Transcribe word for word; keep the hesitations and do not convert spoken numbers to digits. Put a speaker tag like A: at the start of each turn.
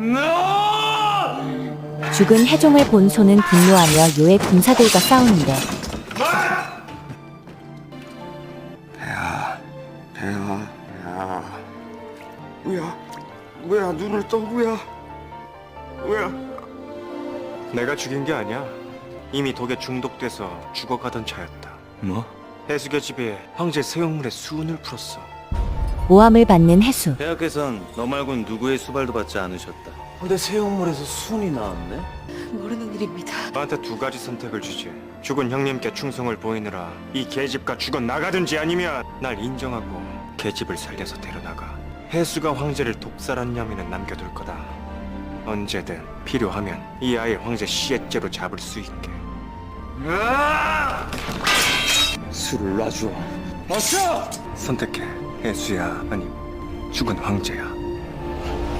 A: 죽은 해종을 본 소는 분노하며 요의 군사들과 싸우는데
B: 배야, 배야, 배야. 우야, 우야, 눈을 떠, 우야, 우야.
C: 내가 죽인 게 아니야. 이미 독에 중독돼서 죽어가던 차였다.
B: 뭐?
C: 해수교 집에 황제 세용물의 수운을 풀었어.
A: 모함을 받는 해수.
D: 대학에선 너 말곤 누구의 수발도 받지 않으셨다.
B: 근데 새우물에서 순이 나왔네?
E: 모르는 일입니다.
C: 나한테 두 가지 선택을 주지. 죽은 형님께 충성을 보이느라 이 계집과 죽어 나가든지 아니면 날 인정하고 계집을 살려서 데려나가. 해수가 황제를 독살한 혐의는 남겨둘 거다. 언제든 필요하면 이 아이 황제 시애죄로 잡을 수 있게.
B: 술을 놔줘. 어서!
C: 선택해. 해수야 아니 죽은 황제야.